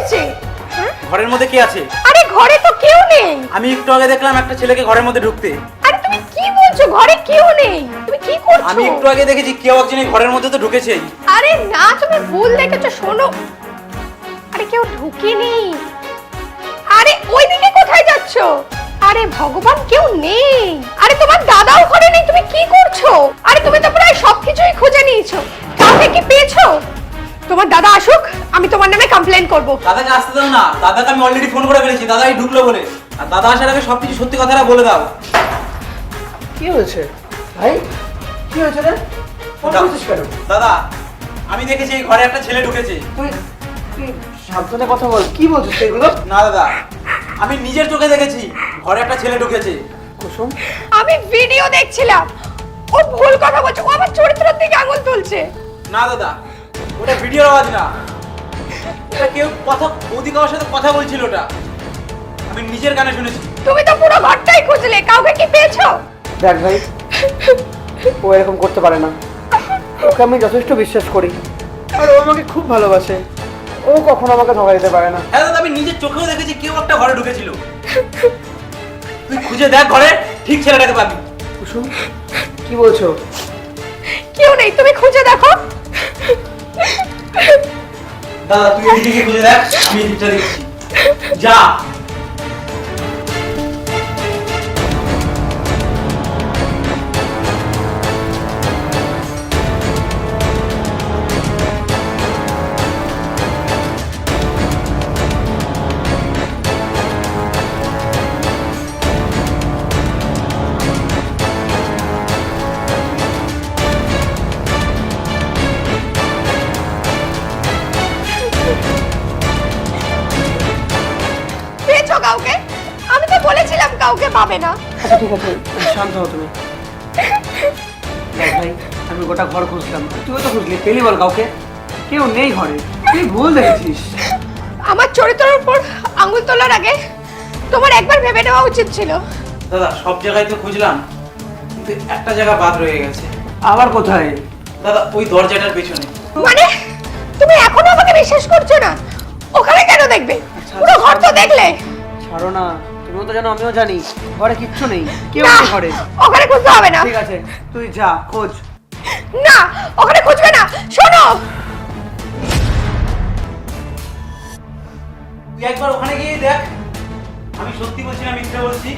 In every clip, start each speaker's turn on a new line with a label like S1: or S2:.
S1: হয়েছে?
S2: ঘরের মধ্যে কে আছে?
S1: আরে ঘরে তো কেউ নেই।
S2: আমি একটু আগে দেখলাম একটা ছেলেকে ঘরের মধ্যে ঢুকতে।
S1: আরে তুমি কি বলছো? ঘরে কেউ নেই। তুমি কি করছো?
S2: আমি একটু আগে দেখেছি কেউ একজন এই ঘরের মধ্যে তো ঢুকেছেই।
S1: আরে না, তুমি ভুল দেখেছো। শোনো, আরে কেউ ঢুকেনি। আরে ওইদিকে কোথায় যাচ্ছো? আরে ভগবান, কেউ নেই। আরে তোমার দাদাও ঘরে নেই। তুমি কি করছো? আরে তুমি তো প্রায় সবকিছুই খুঁজে নিয়েছো, কাউকে কি পেয়েছো? তোমার দাদা আসুক, আমি তোমার নামে কমপ্লেন করব।
S2: দাদাকে আসতে দাও না, দাদাকে আমি অলরেডি ফোন করে ফেলেছি, দাদাই ঢুকলো বলে। আর দাদা আসার আগে সবকিছু সত্যি কথাটা বলে দাও।
S3: কি হয়েছে ভাই? কি হয়েছে রে? ফোন করছিস কেন?
S2: দাদা, আমি দেখেছি এই ঘরে একটা ছেলে ঢুকেছে।
S3: তুই তুই সাবধানে কথা বল। কি বলছিস এগুলো?
S2: না দাদা, আমি নিজের চোখে দেখেছি ঘরে একটা ছেলে ঢুকেছে।
S3: কুসুম,
S1: আমি ভিডিও দেখছিলাম। ও ভুল কথা বলছে, ও আমার চরিত্রের দিকে আঙুল তুলছে।
S2: না দাদা, ওটা ভিডিওর আওয়াজ না, ওটা কেউ কথা কারোর সাথে কথা বলছিল, ওটা আমি নিজের কানে শুনেছি।
S1: তুমি তো পুরো ঘরটাই খুঁজলে, কাউকে কি পেয়েছো?
S3: দেখ ভাই, ও এরকম করতে পারে না। ওকে আমি যথেষ্ট বিশ্বাস করি, আর ও আমাকে খুব ভালোবাসে। ও কখনো আমাকে ধোকা দিতে পারে না।
S2: হ্যাঁ দাদা, আমি নিজের চোখেও দেখেছি কেউ একটা ঘরে ঢুকেছিল। তুই খুঁজে দেখ ঘরে, ঠিক ছেলেটাকে পাবি।
S3: কুসুম, কি বলছো?
S1: কেউ নেই, তুমি খুঁজে দেখো।
S2: দাদা তুই এদিকে খুঁজে দেখ, আমি এদিকটা দেখছি। যা।
S1: পেয়েছো কাউকে? আমি তো বলেছিলাম কাউকে পাবে না।
S3: আচ্ছা ঠিক আছে, শান্ত হও তুমি। দেখ ভাই, আমি গোটা ঘর খুঁজলাম, তুইও তো খুঁজলি, পেলি বল কাউকে? কেউ নেই ঘরে। তুই ভুল দেখেছিস।
S1: আমার চরিত্রের উপর আঙুল তোলার আগে তোমার একবার ভেবে নেওয়া উচিত ছিল।
S2: দাদা সব জায়গায় তো খুঁজলাম, কিন্তু একটা জায়গা বাদ রয়ে গেছে।
S3: আবার কোথায়?
S2: দাদা ওই দরজাটার পেছনে।
S1: মানে তুমি এখনো আমাকে বিশ্বাস করছো না? ওখানে কেন দেখবে? পুরো ঘর তো দেখলে।
S3: ছাড়ো না, তুমিও তো জানো, আমিও জানি ঘরে কিচ্ছু নেই, কেউ
S1: না,
S3: নেই ঘরে।
S1: ওখানে খুঁজতে হবে না।
S3: ঠিক আছে, তুই যা খোঁজ।
S1: না, ওখানে খুঁজবে না। শোনো,
S2: তুই একবার ওখানে গিয়ে দেখ, আমি সত্যি বলছি না মিথ্যে বলছি।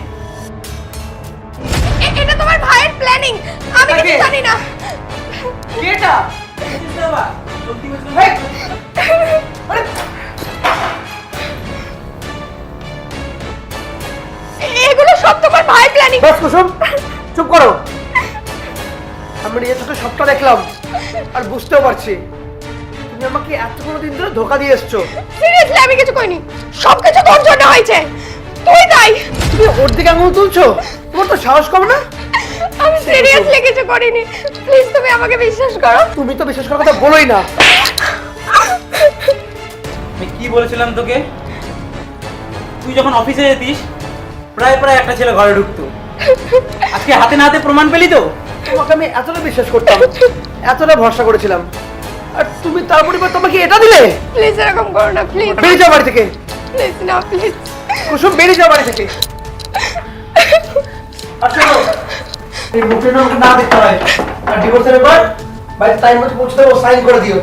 S1: এটা তোমার ভাইয়ের প্ল্যানিং, আমি কিছু
S3: তাকে-
S1: জানি না।
S3: কেটা?
S2: বাবা, সত্যি বলছি না।
S3: হেই! আরে,
S1: এগুলো সব তোমার ভাইয়ের প্ল্যানিং।
S3: বাস কুসুম, চুপ করো। আমরা নিজের চোখে সবটা দেখলাম, আর বুঝতেও পারছি তুমি আমাকে এতগুলো দিন ধরে ধোকা দিয়ে এসছো।
S1: সিরিয়াসলি আমি কিছু করিনি, সবকিছু তোর জন্য হয়েছে। তুই তাই।
S3: তুমি ওর দিকে আঙুল তুলছো? তোমার তো সাহস কম না?
S1: আমি সিরিয়াসলি কিছু করিনি, প্লিজ তুমি আমাকে বিশ্বাস করো।
S3: তুমি তো বিশ্বাস করার কথা বলোই না।
S2: আমি কি বলেছিলাম তোকে? তুই যখন অফিসে যেতিস প্রায় একটা ছেলে ঘরে ঢুকতো। আজকে হাতে না হাতে প্রমাণ পেলি তো।
S3: তোমাকে আমি এতটা বিশ্বাস করতাম, এতটা ভরসা করেছিলাম, আর তুমি তার পরিবর্তে তোমাকে এটা দিলে?
S1: প্লিজ এরকম করো না, প্লিজ
S3: বেরিয়ে যাও বাড়ি থেকে।
S1: প্লিজ না, প্লিজ।
S3: কুসুম, বেরিয়ে যাও বাড়ি থেকে। আর শোনো, এই মুখে না দেখতে হয়, আর ডিভোর্সের ব্যাপার বাড়িতে টাইম মতো পৌঁছে দেবো, সাইন করে দিও।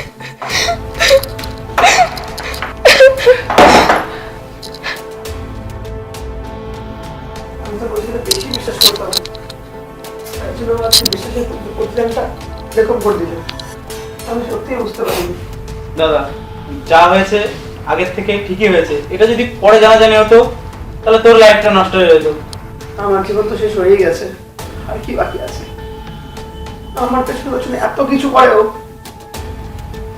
S3: আমি তো বলছি বেশি বিশ্বাস করতাম, তার জন্য আমার বিশ্বাসের প্রতিদানটা এরকম করে দিল। আমি সত্যিই বুঝতে পারিনি।
S2: দাদা যা হয়েছে আগের থেকে ঠিকই হয়েছে। এটা যদি পরে জানাজানি হতো তাহলে তোর লাইফটা নষ্ট হয়ে যেত।
S3: আমার জীবন তো শেষ হয়েই গেছে, আর কি বাকি আছে? আমার পেছনে পেছনে এত কিছু করেও